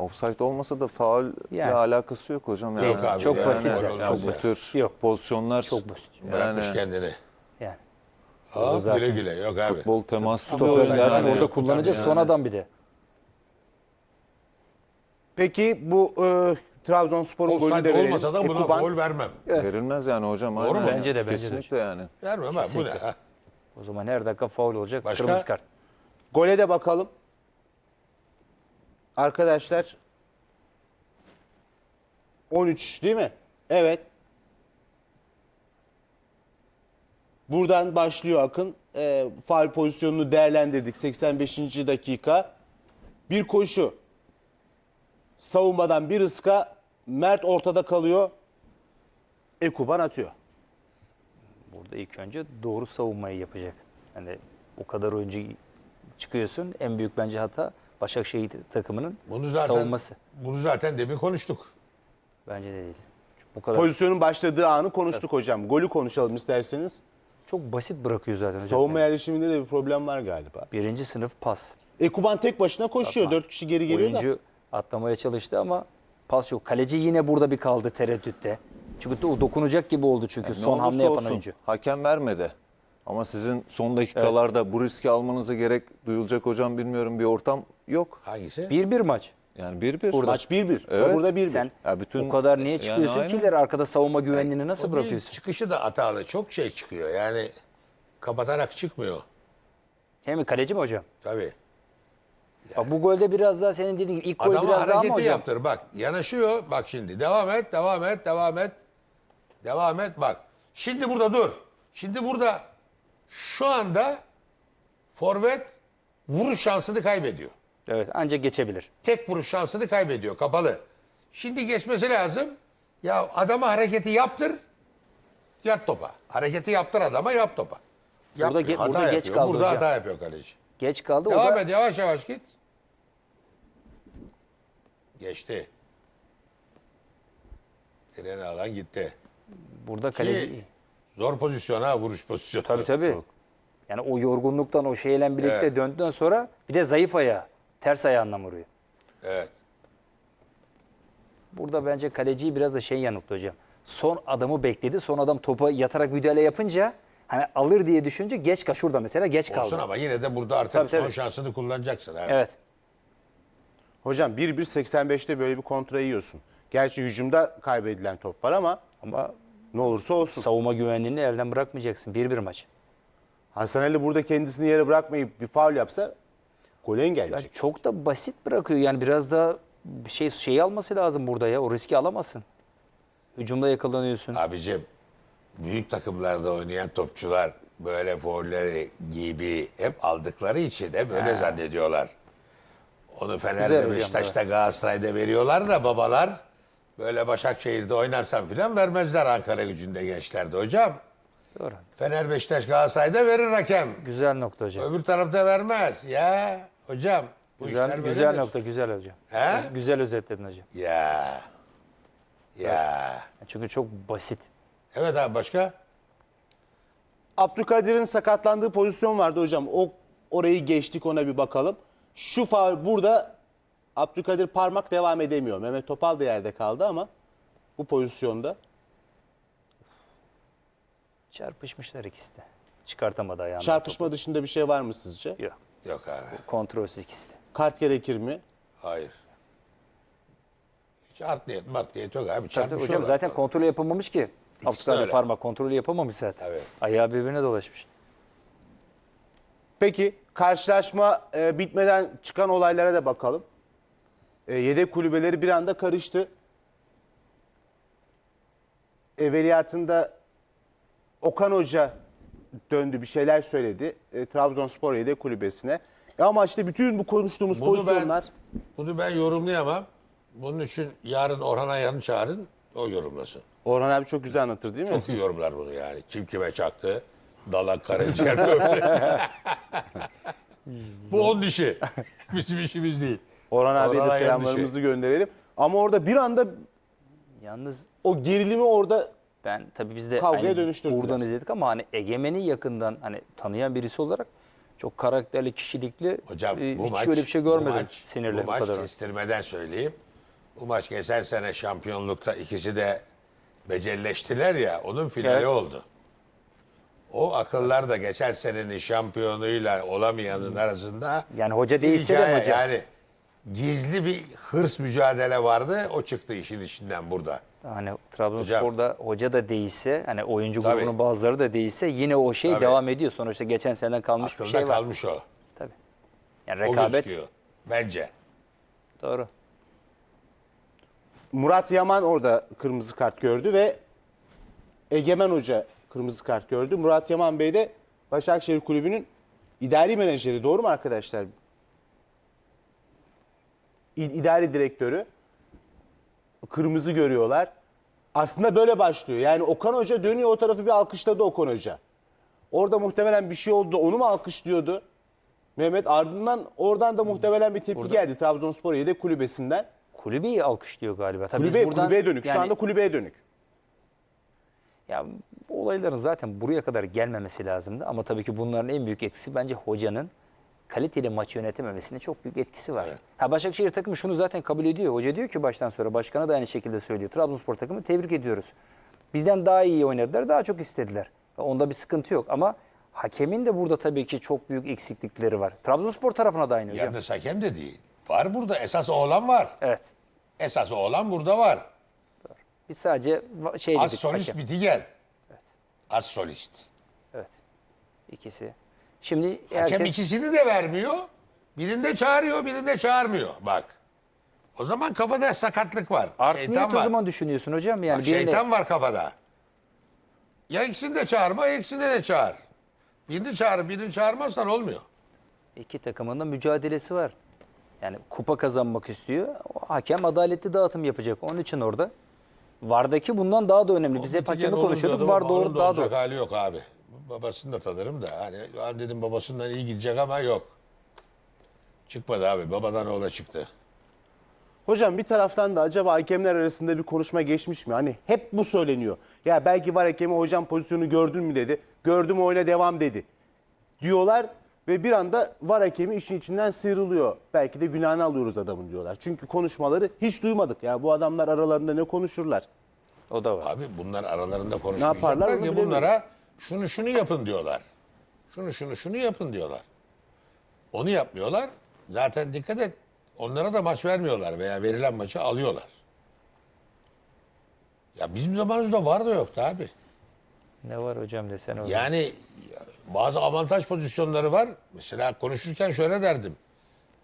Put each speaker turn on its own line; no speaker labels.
offside olmasa da faulle
Yani.
alakası yok hocam. Yani.
Yok abi,
çok
yani
basit
öyle
zaten.
olmaz
Bu
ya.
tür
Yok.
pozisyonlar
Çok basit.
Bırakmış
yani
kendini.
Yani.
Ha,
zaten
güle güle. Yok abi.
futbol temaslı
Stoper
da
zaten
yani.
orada kullanacak son adam bir de.
Peki bu Trabzonspor'un golünü de
Offside
verelim.
olmasa da buna
Ekuban.
gol vermem.
Verilmez yani hocam.
Doğru mu?
Bence de, bence de.
Kesinlikle yani.
Vermem abi. Bu ne? Ha?
O zaman her dakika faul olacak.
Başka?
Kırmızı kart.
Gole de bakalım. Arkadaşlar 13 değil mi? Evet. Buradan başlıyor Akın. Faul pozisyonunu değerlendirdik. 85. dakika. Bir koşu. Savunmadan bir ıska. Mert ortada kalıyor. Ekuban atıyor.
Burada ilk önce doğru savunmayı yapacak. Hani o kadar oyuncu çıkıyorsun. En büyük bence hata Başakşehir takımının savunması.
Bunu zaten demin konuştuk.
Bence de değil. Bu kadar
Pozisyonun başladığı anı konuştuk hocam. Golü konuşalım isterseniz.
çok basit bırakıyor zaten hocam.
Savunma
Yani.
yerleşiminde de bir problem var galiba.
Birinci sınıf pas.
Ekuban tek başına koşuyor. 4 kişi geri geliyor da.
Oyuncu atlamaya çalıştı ama pas yok. Kaleci yine burada bir kaldı tereddütte. Çünkü o dokunacak gibi oldu çünkü
Ne
son hamle
olursa
yapan
olsun,
oyuncu.
hakem vermedi. Ama sizin son dakikalarda bu riski almanıza gerek duyulacak hocam bilmiyorum bir ortam yok.
Hangisi?
1-1 maç.
Yani 1-1.
Maç 1-1.
Evet.
Burada 1-1.
Sen
Ya bütün-
o kadar niye çıkıyorsun
yani
ki
aynen.
ileri arkada savunma güvenliğini nasıl
O değil,
bırakıyorsun?
çıkışı da hatalı. Çok şey çıkıyor. Yani kapatarak çıkmıyor.
Hem kaleci mi hocam?
Tabii.
Bak bu golde biraz daha senin dediğin gibi ilk gol
Adama
biraz daha mı
hareketi
hocam?
yaptır. Bak yanaşıyor. Bak şimdi. Devam et. Devam et. Devam et. Devam et. Bak. Şimdi burada dur. Şimdi burada şu anda forvet vuruş şansını kaybediyor.
Evet ancak geçebilir.
Tek vuruş şansını kaybediyor. Kapalı. Şimdi geçmesi lazım. Ya adama hareketi yaptır. Yat topa. Hareketi yaptır adama, yap topa.
Burada
Yapmıyor, hata
burada geç
yapıyor.
kaldı
Burada
hocam.
hata yapıyor kaleci.
Geç kaldı. O
Devam
da
et, yavaş yavaş git. Geçti. Treni alan gitti.
burada kaleci.
Ki zor pozisyon ha, vuruş pozisyonu.
Tabii tabii. Yani o yorgunluktan o şeyle birlikte
Evet.
döndükten sonra bir de zayıf ayağı. Ters ayağından vuruyor.
Evet.
Burada bence kaleciyi biraz da şey yanılttı hocam. Son adamı bekledi. Son adam topa yatarak müdahale yapınca hani alır diye düşünce geç kaldı. Şurada mesela geç kaldı.
Olsun ama yine de burada artık
Tabii,
son
tabii.
şansını kullanacaksın. Ha.
Evet.
Hocam 1-1-85'te böyle bir kontra yiyorsun. Gerçi hücumda kaybedilen top var ama
Ama
ne olursa olsun.
savunma güvenliğini elden bırakmayacaksın. 1-1 maç.
Hasan Ali burada kendisini yere bırakmayıp bir faul yapsa golü
Yani
engelleyecek.
çok da basit bırakıyor. Yani biraz da bir şeyi alması lazım burada ya. O riski alamazsın. Hücumda yakalanıyorsun.
Abicim büyük takımlarda oynayan topçular böyle faulleri gibi hep aldıkları için hep öyle zannediyorlar. Onu
Güzel
Fener'de,
hocam,
Beşiktaş'ta, Galatasaray'da veriyorlar da babalar böyle Başakşehir'de oynarsan filan vermezler Ankara Gücü'nde gençlerde hocam.
Doğru.
Fener, Beşiktaş, Galatasaray'da verir hakem.
Güzel nokta hocam.
Öbür tarafta vermez. Ya hocam bu
Güzel,
işler
güzel
böyledir.
nokta, güzel hocam.
He?
Güzel özetledin hocam.
Ya. Ya.
Çünkü çok basit.
Evet abi başka?
Abdülkadir'in sakatlandığı pozisyon vardı hocam. Orayı geçtik, ona bir bakalım. Şu faul burada Abdülkadir parmak devam edemiyor. Mehmet Topal da yerde kaldı ama bu pozisyonda
Çarpışmışlar ikisi de. Çıkartamadı ayağını.
çarpışma dışında bir şey var mı sizce?
Yok.
Yok abi.
Kontrolsüz ikisi de.
Kart gerekir mi?
Hayır. Hiç art niyet, mart niyet yok abi.
Tabii
Çarpışıyorlar.
hocam zaten kontrolü yapamamış ki.
de
Abdülkadir
öyle.
parmak kontrolü yapamamış zaten.
Evet.
Ayağı birbirine dolaşmış.
Peki karşılaşma bitmeden çıkan olaylara da bakalım. Yedek kulübeleri bir anda karıştı. Evveliyatında Okan Hoca döndü, bir şeyler söyledi. Trabzonspor yedek kulübesine. Ama işte bütün bu konuştuğumuz pozisyonlar...
Bunu ben yorumlayamam. Bunun için yarın Orhan Ayan'ı çağırın. O yorumlasın.
Orhan abi çok güzel anlatır değil mi?
Çok iyi yorumlar bunu yani. Kim kime çaktı. Dalak karaciğer böyle. Bu onun işi. Bizim işimiz değil.
Orhan abiye de
Orhan Ayan
selamlarımızı gönderelim. Ama orada bir anda
Yalnız
o gerilimi orada
ben tabii biz de
Kavgaya
aynı
dönüştürdüler.
buradan izledik ama hani Egemen'i yakından hani tanıyan birisi olarak Çok karakterli, kişilikli.
Hocam bu
hiç
maç,
öyle bir şey görmedim.
bu
Sinirleri bu
maç
kadar.
kestirmeden söyleyeyim. Bu maç geçen sene şampiyonlukta ikisi de becelleştiler ya, onun finali
Evet.
oldu. O akıllar da geçen senenin şampiyonuyla olamayanın arasında
Yani hoca
bir
değişse de
hikaye,
hoca.
yani gizli bir hırs mücadele vardı. O çıktı işin içinden burada.
Hani Trabzonspor'da hoca da değişse, hani oyuncu
Tabii.
grubunun bazıları da değişse yine o şey
Tabii.
devam ediyor. Sonuçta geçen seneden kalmış bir
Akılda
şey var.
kalmış o.
Tabii. Yani
O
rekabet
gözüküyor. Bence.
doğru.
Murat Yaman orada kırmızı kart gördü ve Egemen Hoca kırmızı kart gördü. Murat Yaman Bey de Başakşehir Kulübü'nün idari menajeri. Doğru mu arkadaşlar? İdari direktörü. Kırmızı görüyorlar. Aslında böyle başlıyor. Yani Okan Hoca dönüyor, o tarafı bir alkışladı Okan Hoca. Orada muhtemelen bir şey oldu. Onu mu alkışlıyordu? Mehmet, ardından oradan da muhtemelen bir tepki geldi Trabzonspor yedek kulübesinden.
Kulübeyi alkışlıyor galiba. Tabii biz buradan,
Kulübeye dönük. Şu
yani-
anda kulübeye dönük.
Ya bu olayların zaten buraya kadar gelmemesi lazımdı. Ama tabii ki bunların en büyük etkisi bence hocanın kaliteli maçı yönetememesinde çok büyük etkisi var. Ha, Başakşehir takımı şunu zaten kabul ediyor. Hoca diyor ki baştan sonra, başkanı da aynı şekilde söylüyor. Trabzonspor takımı tebrik ediyoruz. Bizden daha iyi oynadılar, daha çok istediler. Onda bir sıkıntı yok ama hakemin de burada tabii ki çok büyük eksiklikleri var. Trabzonspor tarafına da aynı hocam.
Yalnız hakem de değil. Var burada. Esas oğlan var.
Evet.
Esas oğlan burada var.
Biz sadece şey
Az
dedik.
solist
hakem.
Bitigen. Az solist.
Evet. İkisi. Şimdi
Hakem
herkes...
ikisini de vermiyor. Birinde çağırıyor, birinde çağırmıyor. Bak. O zaman kafada sakatlık var.
Art niyet
Şeytan
o
var.
zaman düşünüyorsun hocam. Yani
Bak,
birine...
şeytan var kafada. Ya ikisini de çağırma, ya ikisini de çağır. Birini çağır, birini çağırmazsan olmuyor.
İki takımın da mücadelesi var. Yani kupa kazanmak istiyor. O hakem adaletli dağıtım yapacak. Onun için orada. VAR'daki bundan daha da önemli. Biz hep
Bitigen
hakemi
olunca
konuşuyorduk.
da
VAR
onun
doğru
da
daha
olacak
doğru.
hali yok abi. Babasını da tanırım da. Hani ben dedim babasından iyi gidecek ama yok. Çıkmadı abi. Babadan oğla çıktı.
Hocam bir taraftan da acaba hakemler arasında bir konuşma geçmiş mi? Hani hep bu söyleniyor. Ya belki var hakemi, hocam pozisyonu gördün mü dedi. Gördüm, oyuna devam dedi. Diyorlar ve bir anda var hakemi işin içinden sıyrılıyor. Belki de günahını alıyoruz adamın diyorlar. Çünkü konuşmaları hiç duymadık. Ya bu adamlar aralarında ne konuşurlar?
O da var.
Abi bunlar aralarında
yaparlar
konuşmayacaklar
onu
ki
bilemiyorum.
bunlara şunu yapın diyorlar. Şunu yapın diyorlar. Onu yapmıyorlar. Zaten dikkat et. Onlara da maç vermiyorlar veya verilen maçı alıyorlar. Ya bizim zamanımızda var da yoktu abi.
Ne var hocam desene.
Yani bazı avantaj pozisyonları var. Mesela konuşurken şöyle derdim.